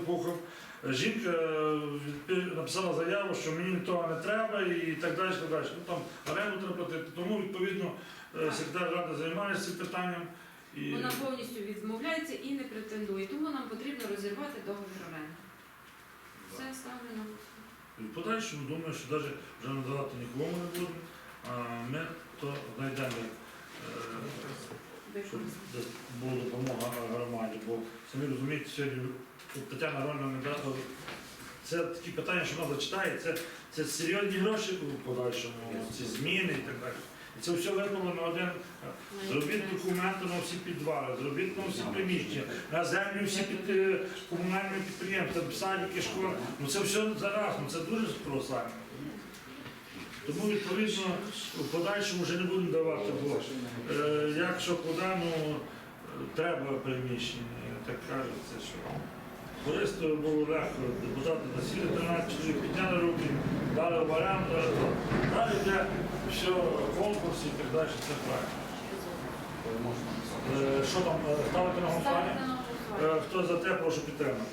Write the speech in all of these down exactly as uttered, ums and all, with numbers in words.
слухав. Жінка написала заяву, що мені того не треба і так далі. Так далі. Ну, там оренду треба платити. Тому, відповідно, секретар ради займається цим питанням. І... Вона повністю відмовляється і не претендує. Тому нам потрібно розірвати договір оренди. Все ставлено. І в подальшому думаю, що навіть вже надавати нікому не будемо, а ми то знайдемо, щоб була допомога громаді. Бо самі розумієте, сьогодні Тетяна Рольна не дала. Це такі питання, що вона зачитає, це, це серйозні гроші у подальшому, ці зміни і так далі. І це все випало на один. Зробіть документи на всі підвали, зробіть на всі приміщення, на землю всі під комунальні підприємства, садики, школи. Ну це все зараз, ну це дуже колосально. Тому, відповідно, в подальшому вже не будемо давати, бо е, якщо куди, ну, треба приміщення, так кажеться, що користо було легко, депутати засіли, тринадцять чоловік підняли руки, дали в оренду, далі йде все, конкурс і так далі, це правильно. Е, що там, ставити на голосування? Е, хто за те, прошу підтримати.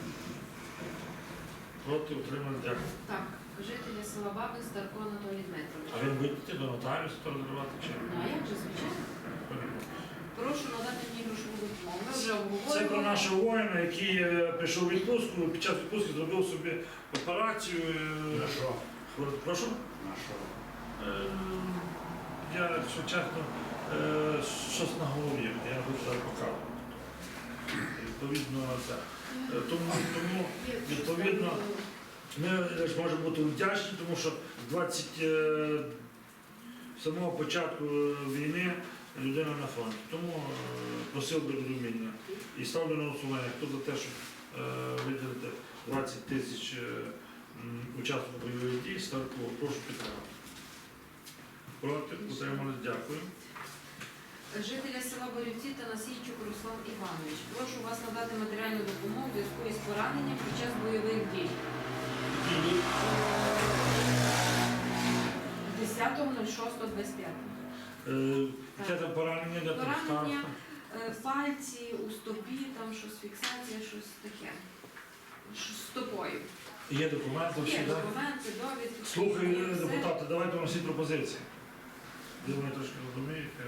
Проти, утримали, дякую. Так, жителі села Бабин, Старко Анатолій Дмитрович. А він буде йти до нотаріуса, то розривати чи? Ну, а як же, звичайно? Прошу надати мені грошову допомогу. Ми вже Це обговорювали. про нашого воїна, який е, прийшов у відпустку, під час відпустки зробив собі операцію. е, На що? хвор- Прошу? На що? Е, Я, якщо чесно, е, щось на голові, я хочу зараз показувати. Відповідно, це. Е, Тому, тому відповідно, ми ж можемо бути вдячні, тому що з двадцять е, самого початку війни людина на фронті. Тому е, просив би розуміння. І ставлю на голосування, хто за те, щоб е, виділити двадцять тисяч е, м, учасників бойових дій, Старку, прошу підтримати. Проти, утримались, дякую. Жителя села Борівці та Насійчук Руслан Іванович. Прошу вас надати матеріальну допомогу у зв'язку із пораненням під час бойових дій. десятого шостого двадцять п'ятого. Е, Яке там поранення, де там Поранення, ставка? е, пальці, у стопі, там щось фіксація, щось таке. Щось з стопою. Є документи, всі, Є так? документи, довідки. Слухай, є все. депутати, давайте вам всі пропозиції. Ви мене трошки розумієте.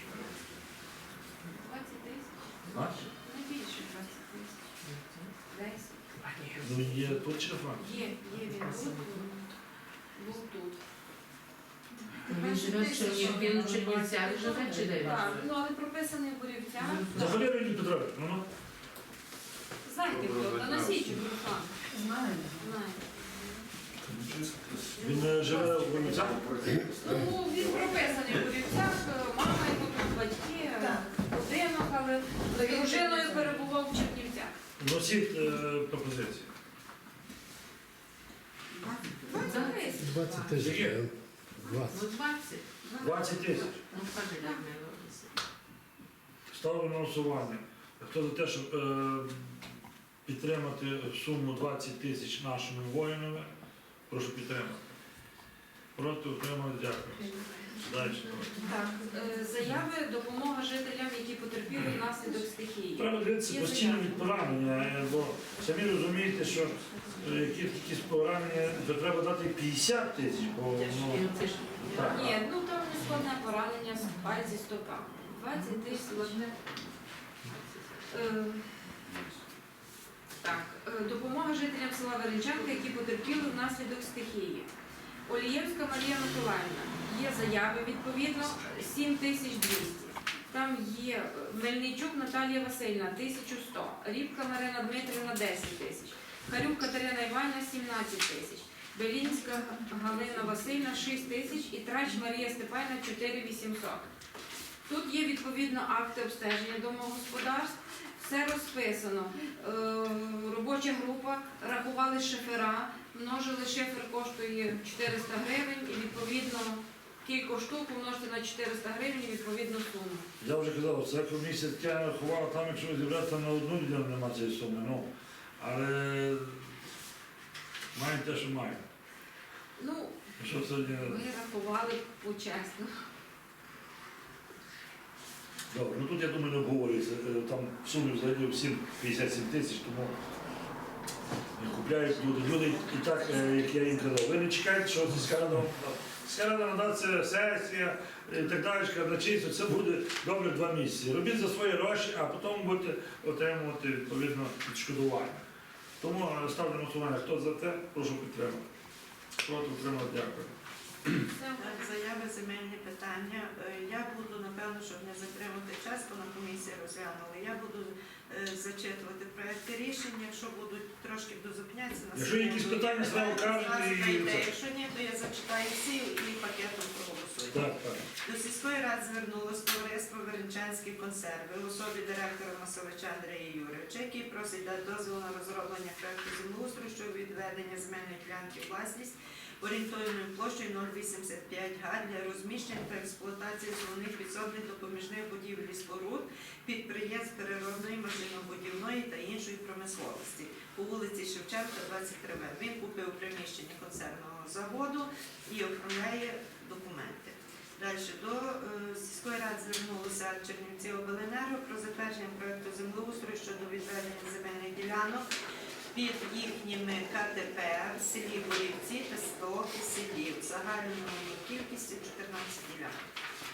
двадцять тисяч. А? Не більше двадцять тисяч. десять. Ну, є тут телефон. Є, є він був, був тут. Він живе в Чернігівці, він у Чернівцях живе чи де він Так, живе? ну але прописаний в Борівцях. Взагалі Леонід Петрович, ну ну. Знаєте хто? Та Насійчук Руслан. Знаю. Знаєте. Він е, живе в Борівцях? Ну, він прописаний в Борівцях, мама його тут, батьки, будинок, але з дружиною перебував в Чернівцях. Носіть е, пропозиції. двадцять тисяч. двадцять тисяч. Є. двадцять. Ну, двадцять. двадцять тисяч. Ну, скажи, як ми робимо. Ставлю на голосування. Хто за те, щоб е, підтримати суму двадцять тисяч нашими воїнами, прошу підтримати. Проти, утримали, дякую. Далі. Так, е, заяви, допомога жителям, які потерпіли внаслідок стихії. Треба дивитися Є постійно заяви. від поранення, е, бо самі розумієте, що е, які якісь поранення, то треба дати п'ятдесят тисяч, бо ну, І оце ж- так. Ні, ну там не складне поранення з пальці стопа. двадцять тисяч. Е, Так, е, допомога жителям села Веренчанка, які потерпіли внаслідок стихії. Олієвська Марія Миколаївна. Є заяви, відповідно, сім тисяч двісті. Там є е, Мельничук Наталія Васильівна, тисяча сто. Рібка Марина Дмитрівна, десять тисяч. Харюк Катерина Іванівна, сімнадцять тисяч. Белінська Галина Васильівна, шість тисяч. І Трач Марія Степанівна, чотири тисячі вісімсот. Тут є, відповідно, акти обстеження домогосподарств. Все розписано. Е, робоча група, рахували шифера, множили, шифер коштує чотириста гривень і відповідно кілька штук умножити на чотириста гривень і відповідно суму. Я вже казав, це комісія таке рахувала, там якщо зібрати на одну людину, немає цієї суми. Ну, але маємо те, що маємо. Ну, Що сьогодні? ми рахували почесно. Добре, ну тут я думаю не обговорюється. Е, Там в сумі взагалі всім п'ятдесят сім тисяч, тому купляють люди. Люди і так, е, як я їм казав, ви не чекайте, що сільська рада. Сільська рада надається сесія і так далі, казначейство, це буде добре два місяці. Робіть за свої гроші, а потім будете отримувати відповідно відшкодування. Тому е, ставлю на голосування. Хто за те, прошу підтримати. Проти підтримати, дякую. Так, заяви, земельні питання. Е, Я буду, напевно, щоб не затримати час, бо на комісії розглянули. Я буду е, зачитувати проекти рішень, якщо будуть трошки дозупнятися на Якщо є якісь секунду, питання, є зразу кажете зразу і- дайте. Якщо ні, то я зачитаю всі і пакетом проголосую. Так, так. До сільської ради звернулося товариство Веренчанські консерви в особі директора Масовича Андрія Юрійовича, який просить дати дозвіл на розроблення проекту землеустрою щодо відведення земельної ділянки у власність орієнтовною площею нуль вісімдесят п'ять га для розміщення та експлуатації основних підсобних допоміжних будівель і споруд, підприємств переробної, машинобудівної та іншої промисловості по вулиці Шевченка, двадцять три Б. Він купив приміщення концерного заводу і оформляє документи. Далі до е, сільської ради звернулися Чернівці Обленерго про затвердження проекту землеустрою щодо відведення земельних ділянок під їхніми ка те пе в селі Борівці та село Киселів загальною кількістю чотирнадцять ділянок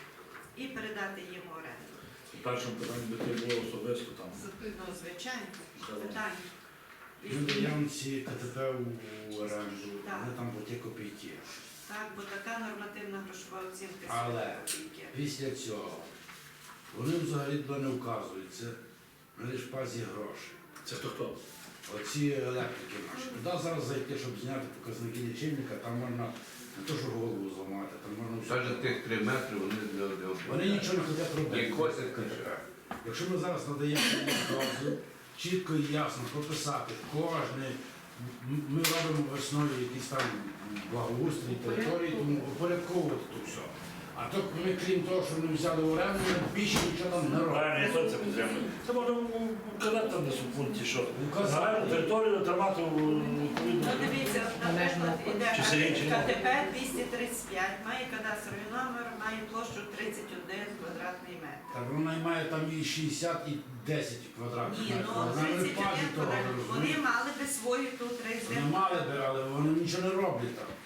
і передати їм в оренду. В першому питанні би ти було особисто там. Ну, звичайно, питання. І- Він наявниці ка те пе у оренду, Так. вони там по ті копійки. Так, бо така нормативна грошова оцінка Але сім копійки. після цього вони взагалі туди не вказуються, на лишпазі гроші. Це хто хто? Оці електрики наші. Туди зараз зайти, щоб зняти показники лічильника, там можна не то, що голову зламати, там можна все. Навіть тих три метри вони для Вони нічого не хочуть робити. І косять каже. Якщо ми зараз надаємо дозвіл, чітко і ясно прописати кожне, м- ми робимо весною якісь там благоустрій території, тому упорядковувати то все. А то ми, крім того, що ми взяли в оренду, ми більше нічого нам не робимо. Правильно, я теж це підтримую. Це можна вказати там десь у пункті, що Вказати. загальну територію тримати у Ну, відповідно. дивіться, Належно наприклад, іде Чи селі, чи ні? ка те пе двісті тридцять п'ять, має кадастровий номер, має площу тридцять один квадратний метр. Так вона має там і шістдесят, і десять квадратних Ні, метрів. ну Вона не тридцять пазі один того, квадратний. Вони розумієте? мали би свою тут Вони резидентну. мали би, але вони нічого не роблять там.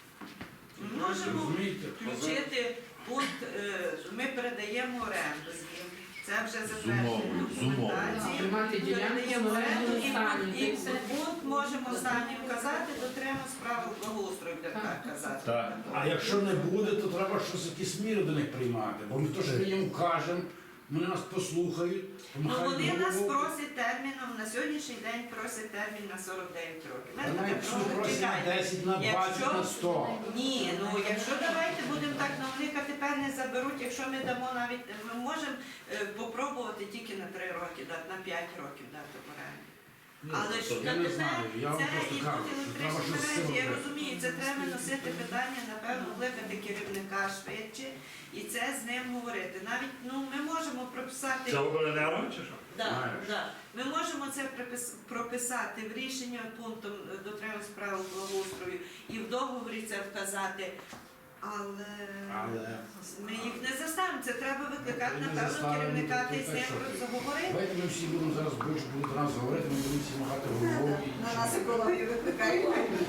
Ми можемо Розумієте? включити пункт, е, ми передаємо оренду їм. Це вже З затвердження умовою, з умовою. документації. Тримати ділянку Передаємо в оренду орендному і стані, пункт- та й і все. пункт можемо останній вказати, дотримуємо справу благоустрою, буде Так. так казати. Так. А якщо не буде, то треба щось якісь міри до них приймати. Бо ми то, що ми їм кажемо, вони нас послухають, Ну помахають вони нас головою. просять терміном, на сьогоднішній день просять термін на сорок дев'ять років. Ми Та так навіть кажемо, просять на чекайте. десять, на двадцять, Якщо- на сто. Ні, ну якщо давайте будемо так, ну вони тепер не заберуть, якщо ми дамо навіть, ми можемо е, попробувати тільки на три роки дати, на п'ять років дати в оренду. Ну, Але ж Я не знаю, я вам це просто і кажу, тут що треба електричні щось з цим мережі, я робити. розумію, це треба носити питання, напевно, викликати керівника швидше і це з ним говорити. Навіть ну ми можемо прописати. Це обленерго чи що? Да, Знаєш. да. Ми можемо це припис- прописати в рішенні пунктом е, дотримання справи благоустрою і в договорі це вказати, але, Але ми їх не заставимо. Це треба викликати, Ми не напевно, заставимо, керівника ну, та й з так ним що ти? заговорити. давайте ми всі будемо зараз більше будуть до нас говорити, ми будемо всі махати головою і На нічого. нас екологію викликають.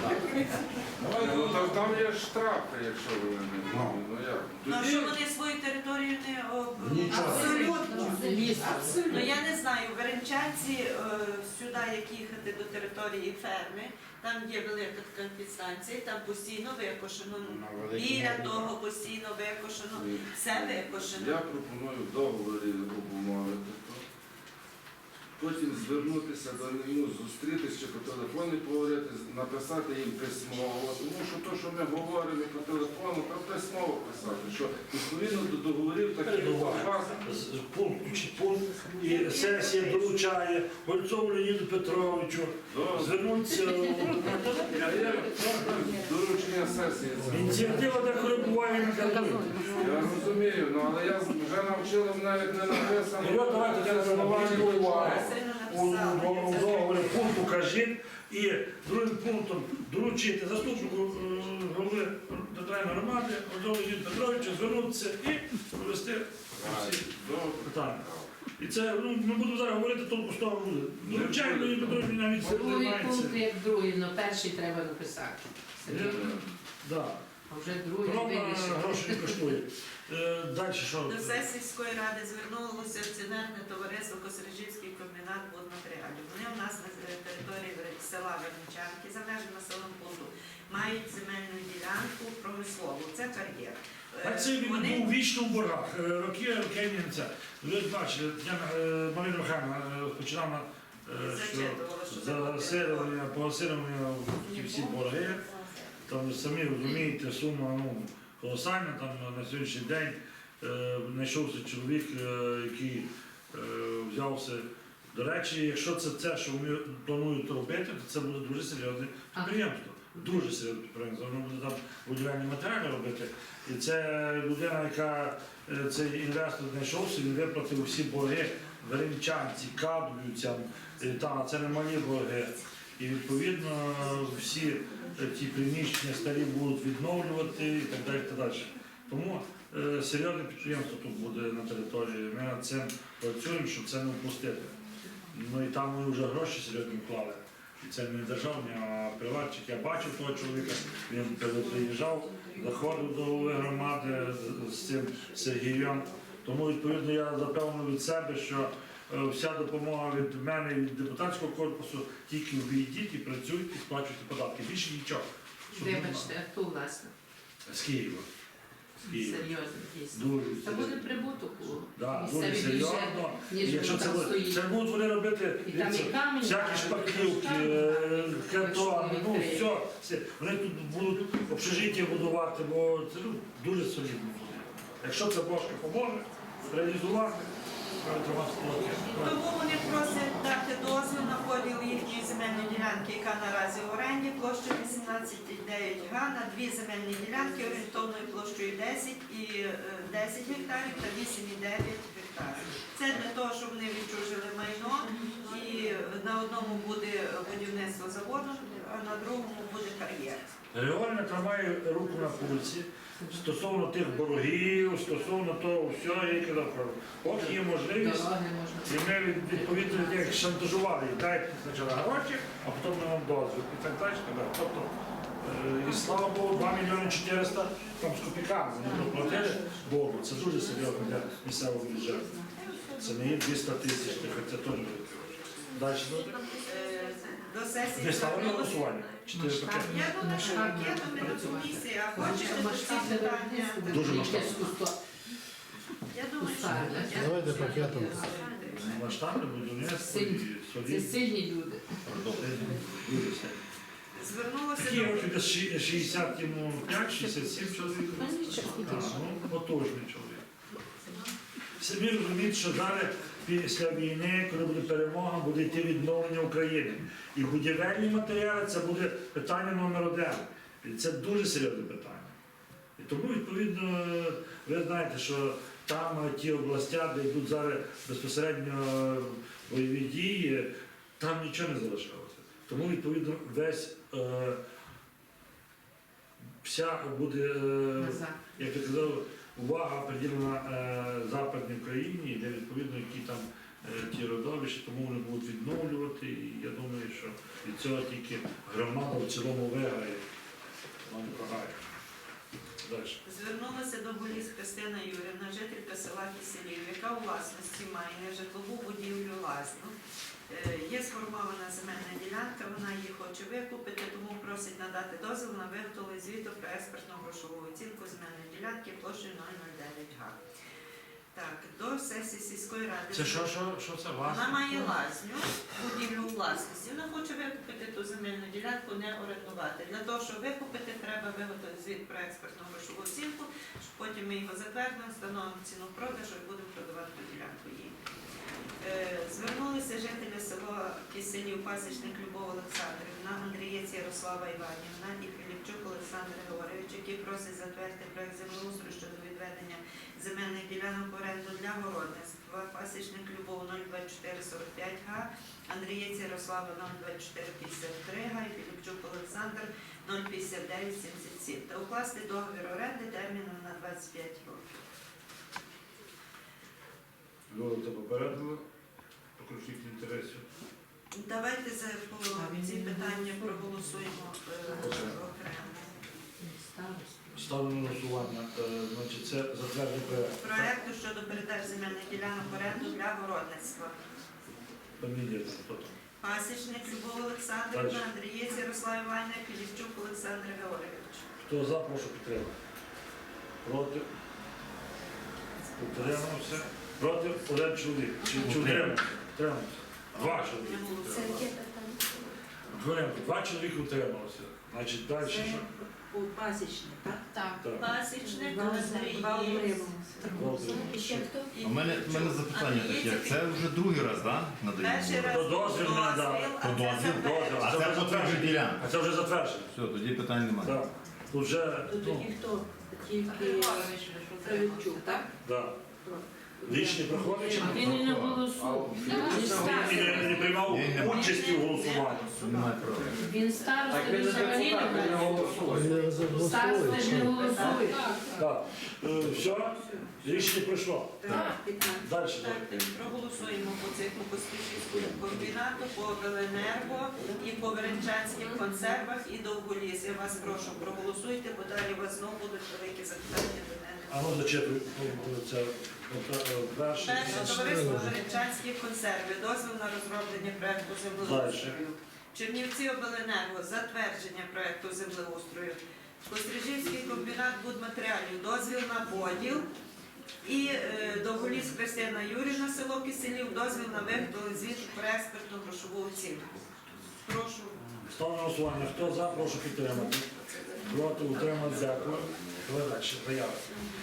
Давайте, Ну, там, там є штрафи, якщо ви не Ну. ну як. Ну а Тоді що вони свою територію не об... Нічого. Абсолютно. Ліс. Ну я не знаю, в Веренчанці е, сюди, як їхати до території ферми, там є велика така підстанція, там постійно викошено. На великій Біля мові, того так. постійно викошено, Ні. все викошено. Я пропоную в договорі обумовити то. Потім звернутися до нього, зустрітися чи по телефону поговорити, написати їм письмово. Тому що те, що ми говоримо по телефону, то письмово писати, що відповідно до договорів таких у вас. З- Пункт, чи пункт, і сесія доручає Гольцову Леоніду Петровичу Добре. звернутися. А є доручення сесії. це. Ініціатива деколи буває неказує. Я розумію, ну але я вже навчила навіть не написано. Ну, от давайте я Заснування уваги. Сильно У написали. у договорі пункт укажіть і другим пунктом доручити заступнику е, голови територіальної громади Гольцову Леоніду Петровичу звернутися і провести всі Добре. питання. І це, ну, ми будемо зараз говорити, толку з того буде. Звичайно, і Петрович навіть цим Другий займається. пункт як другий, але перший треба написати. Серйозно. Да. А вже другий Правда, вирішив. гроші не коштує. Е, Далі що? До сесії сільської ради звернулося акціонерне товариство Косарижівський комбінат будматеріалів. Вони у нас на території села Верничанки за межами населеного пункту мають земельну ділянку промислову. Це кар'єр. Е, А це він вони- був вічно в боргах. Е, Роки, роки німця. Ви бачили, я, е, Марина Михайлівна е, починала, е, що Зачитувала, що за заплатили. заселення, поселення ті всі борги. Там самі розумієте, сума ну, колосальна. Там на сьогоднішній день е, знайшовся чоловік, е, який е, взявся. До речі, якщо це те, що вони планують робити, то це буде дуже серйозне підприємство. Дуже серйозне підприємство. Воно буде там будівельні матеріали робити. І це людина, яка е, цей інвестор знайшовся, він виплатив всі борги веренчанці, кадрівцям. Е, Та, це не малі борги. І відповідно всі е, ті приміщення старі будуть відновлювати і так далі. Так далі. Тому е, серйозне підприємство тут буде на території. Ми над цим працюємо, щоб це не впустити. Ну і там ми вже гроші серйозно вклали. І це не державні, а приватчик. Я бачив того чоловіка, він приїжджав, заходив до голови громади з- з цим Сергієм. Тому відповідно я запевнив від себе, що е, вся допомога від мене і від депутатського корпусу тільки війдіть і працюйте, і сплачуйте податки. Більше нічого. Щоб не Вибачте, а хто власне? було. З Києва. З Києва. Серйозно, дійсно. Дуже Та буде серйозно. прибуток у Да, дуже місцевий бюджет, серйозно. І ніж якщо воно це, там буде- стоїть. це будуть вони робити І там і дивіться, камінь, всякі а шпаклівки, там е, і картони, ну шпаклівки. все, все. Вони тут будуть общежиття будувати, бо це ну, дуже солідно буде. Якщо це Божка поможе реалізувати, треба тримати строки. Тому вони просять дати дозвіл на поділ їхньої земельної ділянки, яка наразі в оренді, площею вісімнадцять цілих дев'ять га, на дві земельні ділянки орієнтовною площею десять і е, десять гектарів та вісім і дев'ять гектарів. Це для того, щоб вони відчужили майно, і на одному буде будівництво заводу, а на другому буде кар'єр. Григорівна тримає руку на пульсі стосовно тих боргів, стосовно того всього, я їй казав, кажу, поки є можливість. Дороги можна. І ми від- відповідно як шантажували, дайте спочатку гроші, а потім ми вам дозвіл. І так далі. так далі. Тобто, е, і слава Богу, два мільйони чотириста там з копійками вони доплатили Богу. Це дуже серйозно для місцевого бюджету. Це не є двісті тисяч, хоча теж великі гроші. Далі буде. Е, До сесії Ви ставили на звернулося- голосування? Чотири пакети. Я думаю, що пакетом і на комісії, а хочете то ці питання. Дуже масштабно. Я думаю, що Пускай, пакетом. Давайте пакетом. Масштабне будівництво і Сильні. Це солідне. сильні люди. Дуже сильне. Звернулося Такі до років десь ші- шістдесят йому п'ять шістдесят сім чоловік. Ну, нічого, Так, ну, потужний чоловік. Самі розуміють, що зараз після війни, коли буде перемога, буде йти відновлення України. І будівельні матеріали це буде питання номер один. І це дуже серйозне питання. І тому, відповідно, ви знаєте, що там ті області, де йдуть зараз безпосередньо бойові дії, там нічого не залишилося. Тому, відповідно, весь е, вся буде. Е, Назад. як я казав, увага приділена е, Западній Україні, де відповідно які там е, ті родовища, тому вони будуть відновлювати. І я думаю, що від цього тільки громада в цілому виграє, вона не програє. Далі. Звернулася до Боліс Христина Юрівна, жителька села Киселів, яка у власності має нежитлову будівлю лазню. Е, Є сформована земельна ділянка, вона її хоче викупити, тому просить надати дозвіл на виготовлення звіту про експертну грошову оцінку земельної ділянки площею нуль нуль дев'ять га. Так, до сесії сільської ради. Це що, що, що це вас? Вона має лазню, будівлю у власності. Вона хоче викупити ту земельну ділянку, не орендувати. Для того, щоб викупити, треба виготовити звіт про експертну грошову оцінку, щоб потім ми його затвердимо, встановимо ціну продажу і будемо продавати ту ділянку їй. Е, Звернулися жителі села Киселів, пасічник Любов Олександрівна, Андрієць Ярослава Іванівна і Філіпчук Олександр Григорович, які просять затвердити проект землеустрою щодо відведення земельних ділянок в оренду для городництва. Пасічник Любов нуль двадцять чотири сорок п'ять га, Андрієць Ярослава нуль двадцять чотири п'ятдесят три га і Філіпчук Олександр нуль п'ятдесят дев'ять сімдесят сім. Та укласти договір оренди терміном на двадцять п'ять років. Люди попередили про конфлікт інтересів. Давайте за по ці питання проголосуємо е, окремо. Ставлю на голосування. Е, Значить, це затвердження проєкту. Проекту щодо передачі земельних ділянок в оренду для городництва. Фамілія там, хто там? Пасічник Любов Олександрівна, Андрієць Ярослав Івановна, Філіпчук Олександр Георгійович. Хто за, прошу підтримати. Проти? Утримався. Проти один чоловік. Чи, чи утримався? Утримався. Два чоловіки. утрималися. Утримався. Два чоловіки утрималися. Значить, далі що? Пасічник, так? Так. Так. Пасічник Два Андрієць. Два утрималися. І ще хто? У мене, у мене запитання таке. Це вже другий раз, так? Перший Надаємо? раз То дозвіл не надали. а То це дозвіл, затвердження. А це потвердження ділянка. А це вже затверджено. Все, тоді питань немає. Так. Тут вже, ну, хто? Тільки Кравчук, так? да. Рішення проходить чи не Він і не проходить? голосував. І не, не приймав Ні, не участі в голосуванні. Немає права. Він староста, він взагалі не голосує. Староста ж не голосує. Так. Е, все? Рішення пройшло. Так. Далі. Так, проголосуємо по циклу Поспішівського комбінату, по Обленерго і по Веренчанських консервах і Довголіс. Я вас прошу, проголосуйте, бо далі у вас знову будуть великі запитання до мене. А ну зачепи. Це е, перше. Перше товариство Веренчанські консерви, дозвіл на розроблення проекту землеустрою. Чернівці Обленерго, затвердження проекту землеустрою. Кострижівський комбінат будматеріалів, дозвіл на поділ. І е, Довголіс Христина Юрівна, село Киселів, дозвіл на виготовлення звіту про експертну грошову оцінку. Прошу. Ставлю на голосування. Хто за, прошу підтримати. Проти, утримати, дякую. Давай далі. Заява.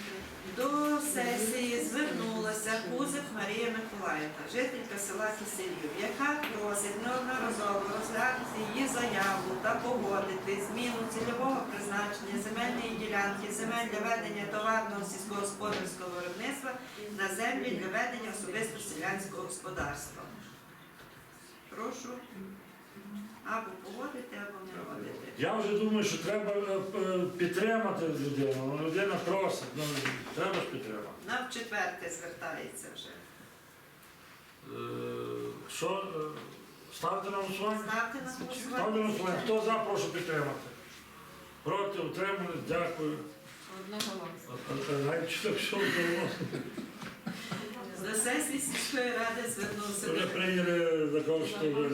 До сесії звернулася Кузик Марія Миколаївна, жителька села Киселів, яка просить неодноразово розглянути її заяву та погодити зміну цільового призначення земельної ділянки, земель для ведення товарного сільськогосподарського виробництва на землі для ведення особисто селянського господарства. Прошу або погодити, або не погодити. Я вже думаю, що треба е, е, підтримати людину. Ну, людина просить, ну, треба ж підтримати. Нам в четверте звертається вже. Е, Що, е, ставити на голосування? Ставте на Ставлю на голосування. голосування. Хто за, прошу підтримати. Проти, утримали, дякую. Одноголосно. А- а- Навіть що так, що вдалося. До сесії сільської ради звернувся. Вже прийняли закон, що вже...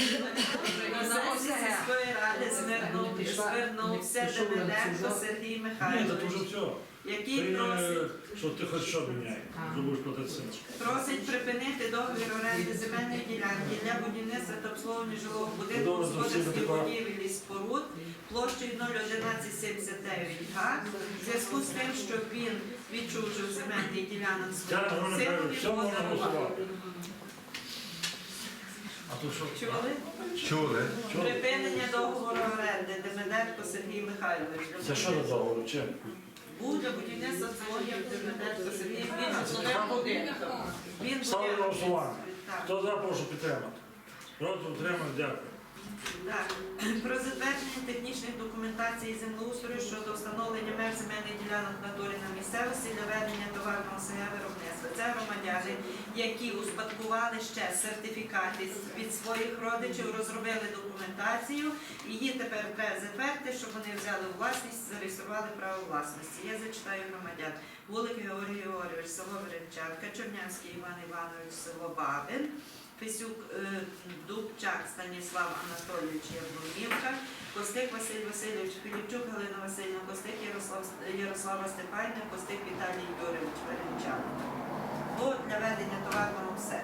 До сесії сільської ради звернув- звернувся Демиденко Сергій Ні, Михайлович, це вже все. який Прийняли, просить, що ти хоч що міняй. Зробиш платити син. просить припинити договір оренди земельної ділянки для будівництва та обслуговування жилого будинку, Добре, господарських засідати, так. будівель і споруд площею нуль одинадцять сімдесят дев'ять га, в зв'язку з тим, що він відчужив земельний ділянок Дякую, своєму Михайло, синові все можна поза голосувати. А то що? Чули? Чули? Чого? Припинення договору оренди Демиденко Сергій Михайлович. Це що за договор? Чим? Був для будівництва злогів Демиденко Сергій Михайлович. Він Ставлю на голосування. Так. Хто за, прошу підтримати. Проти, утримати, дякую. Так. Про затвердження технічних документацій землеустрою щодо встановлення меж земельних ділянок в натурі на місцевості для ведення товарного СГ виробництва. Це громадяни, які успадкували ще сертифікати від своїх родичів, розробили документацію, і її тепер треба затвердити, щоб вони взяли у власність, зареєстрували право власності. Я зачитаю громадян. Вулик Георгій Георгійович, село Веренчанка, Чернявський Іван Іванович, село Бабин, Фесюк е, Дубчак Станіслав Анатолійович Яблунівка, Костик Василь Васильович, Філіпчук Галина Васильівна, Костик Ярослав, Ярослава Степанівна, Костик Віталій Юрійович Веренчанка. Бо для ведення товарного все.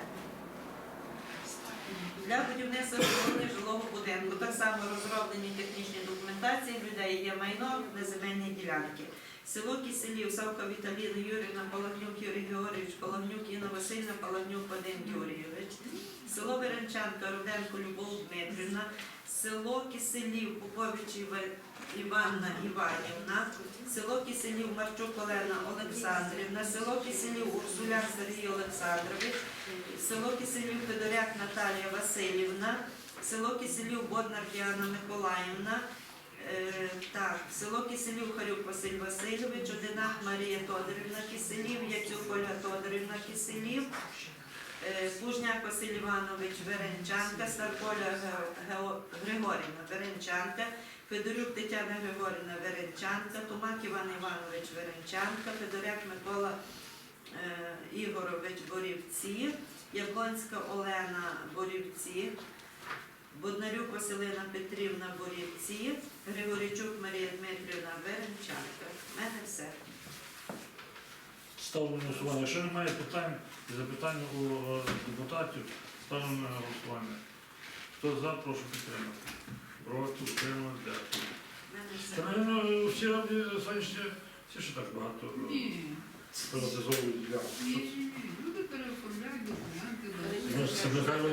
Для будівництва обслуговування жилого будинку так само розроблені технічні документації, в людей є майно на земельні ділянки. Село Киселів, Савка Віталіна Юрівна, Палагнюк Юрій Георгійович, Палагнюк Інна Васильівна, Палагнюк Вадим Юрійович. Село Веренчанка, Руденко Любов Дмитрівна. Село Киселів, Попович Іва- Іванна Іванівна. Село Киселів, Марчук Олена Олександрівна. Село Киселів, Урсуляк Сергій Олександрович. Село Киселів, Федоряк Наталія Васильівна. Село Киселів, Боднар Діана Миколаївна. Е, Так, село Киселів, Харюк Василь Васильович, Одинак Марія Тодорівна Киселів, Яцюк Ольга Тодорівна Киселів, е, Плужняк Василь Іванович Веренчанка, Старполя Ге- Гео- Григорівна Веренчанка, Федорюк Тетяна Григорівна Веренчанка, Тумак Іван Іванович Веренчанка, Федоряк Микола е, Ігорович Борівці, Яблонська Олена Борівці, Боднарюк Василина Петрівна Борівці, Григорійчук Марія Дмитрівна Веренчанка. У мене все. Ставлю на голосування. Якщо немає питань і запитань у е, депутатів, ставлю на голосування. Хто за, прошу підтримати. Проти, утримати, дякую. У мене все. Та, напевно, всі роблять сонячні, всі ще так багато е, Ні, приватизовують ділянки. ні, ні, люди переоформляють документи. да. Ну, це Михайло,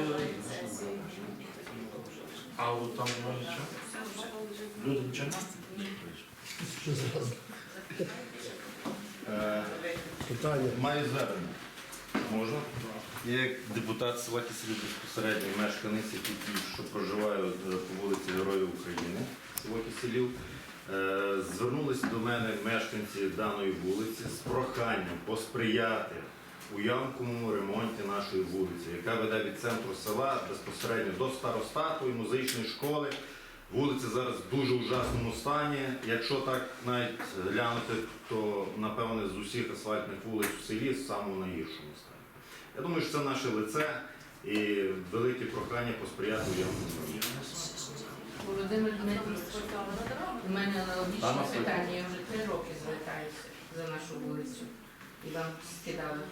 а от там немає нічого? Люди нічого не Що зразу? Е, Питання. Маю звернення. Можна? Я як депутат села Киселів, безпосередньо мешканець, який що проживаю е, по вулиці Героїв України, село Киселів, е, звернулися до мене мешканці даної вулиці з проханням посприяти у ямковому ремонті нашої вулиці, яка веде від центру села безпосередньо до старостату і музичної школи. Вулиця зараз в дуже ужасному стані. Якщо так навіть глянути, то напевне з усіх асфальтних вулиць у селі в самому найгіршому стані. Я думаю, що це наше лице і велике прохання посприяти у ямковому ремонті. Володимир Дмитрович, у мене аналогічне Пане Сергій. питання, я вже три роки звертаюся за нашу вулицю. І вам скидали.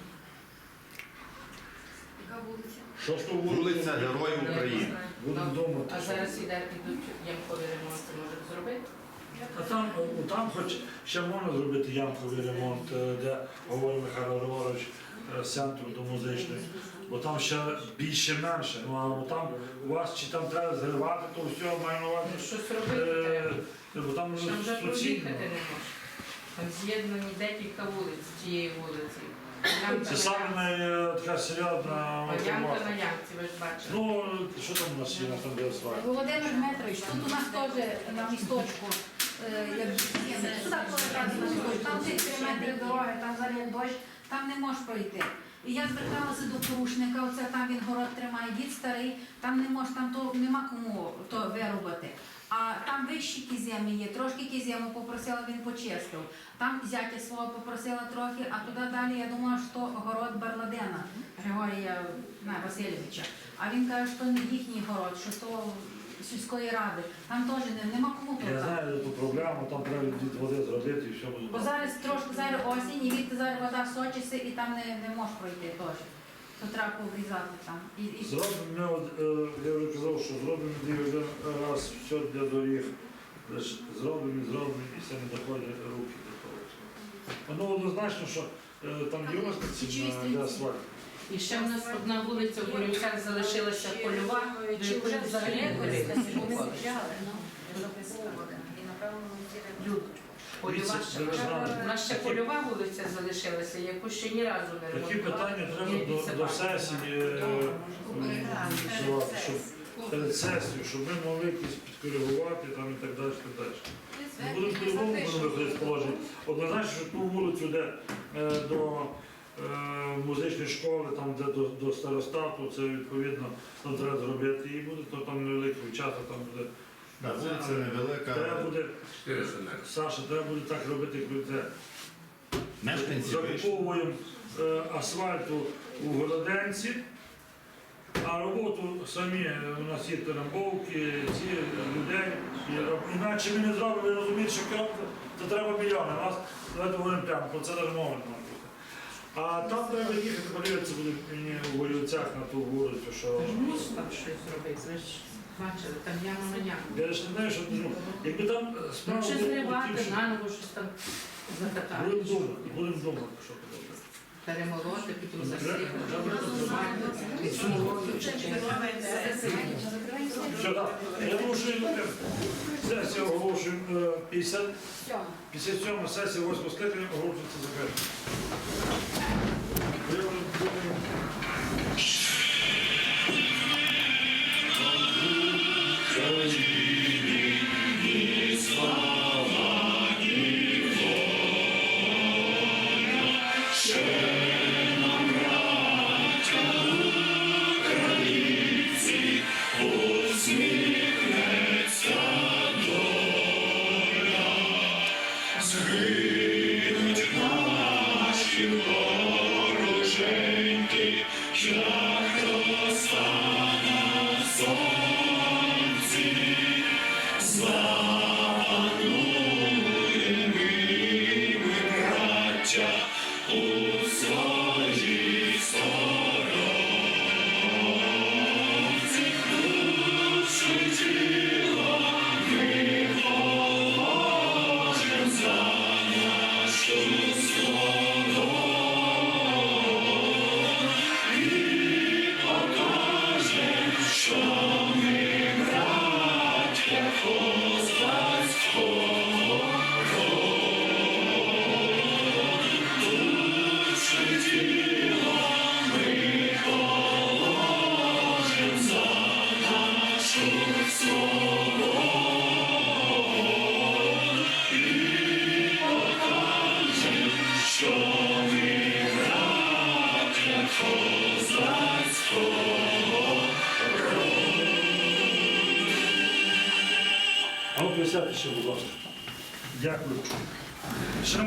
Яка вулиця? Шосту Вулиця Героїв України. Будемо Ну, думати. А зараз іде, підуть ямкові ремонти, можуть зробити? А там, о, там хоч ще можна зробити ямковий ремонт, е, де говорить Михайло Григорович, е, з центру до музичної, бо там ще більше-менше. Ну а там у вас чи там треба зривати, то все маю на увазі. Ну, щось робити треба. Е, Бо там Там вже суцільно. проїхати не можна. Там з'єднані декілька вулиць з цієї вулиці. Це саме най- така серйозна А ямка інформація. на ямці, ви ж бачите. Ну, що там у нас є на там де асфальт? Володимир Дмитрович, тут у нас теж на місточку, е, як сюди повертати на місточку, там ці три метри дороги, там залив дощ, там не можеш пройти. І я зверталася до порушника, оце там він город тримає, дід старий, там не може, там то нема кому то виробити. А там вищі кіземи є, трошки кізему попросила, він почистив. Там зятя свого попросила трохи, а туди далі я думала, що город Барладена Григорія не, Васильовича. А він каже, що не їхній город, що то сільської ради. Там теж не, нема кому Я тут. знаю ту проблему, там треба від води зробити і все буде. Бо зараз трошки зараз осінь, і відти зараз вода сочиться, і там не, не можеш пройти теж. То треба обрізати там. І, і... Зробимо, от, е, я вже казав, що зробимо дві один раз все для доріг. Лише зробимо, і зробимо, і все не доходять руки до того. Воно однозначно, що е, там є у нас ці на асфальт. І ще в нас одна вулиця в Борівцях залишилася польова, до якої взагалі не дивилися ніколи. Люд. Польова ще. У нас ще польова вулиця залишилася, яку ще ні разу не Такі ремонтували. питання треба до, до сесії, е, м, висувати, щоб перед сесією, щоб ми могли якісь підкоригувати там і так далі. і Так далі. Ми будемо по-любому будемо виходити з положення. Однозначно, що ту вулицю, де е, до е, музичної школи, там де до, до старостату, це відповідно там треба зробити і буде, то там невеликий участок, там буде. Так, вулиця невелика. Треба буде, чотириста метрів. Саша, треба буде так робити, як ви це. Мешканці вийшли. Закуповуємо е, асфальту у Городенці, а роботу самі е, у нас є терамбовки, ці е, людей. І роб- Іначе ми не зробимо, ви розумієте, що керівник, це треба мільйони. У нас давайте говоримо прямо, про це навіть мови не може бути. А там треба їхати, подивитися буде мені у Горілцях на ту вулицю, що. Мусить там щось зробити, ви ж бачили, там яма на яму. Я ж не знаю, що ну, якби там е, Ну, справа чи була в зривати, тім, що- наново щось там закатати. Будемо думати, будемо думати, що подобається. Перемолоти, потім Треба- засипати, треба розмати, підсумовувати чи Все, так. Я оголошую сесію оголошую е, п'ятдесят п'ятдесят сьома сесія восьмого скликання оголошується закритою. А ну присядьте ще, будь ласка. Дякую. Ще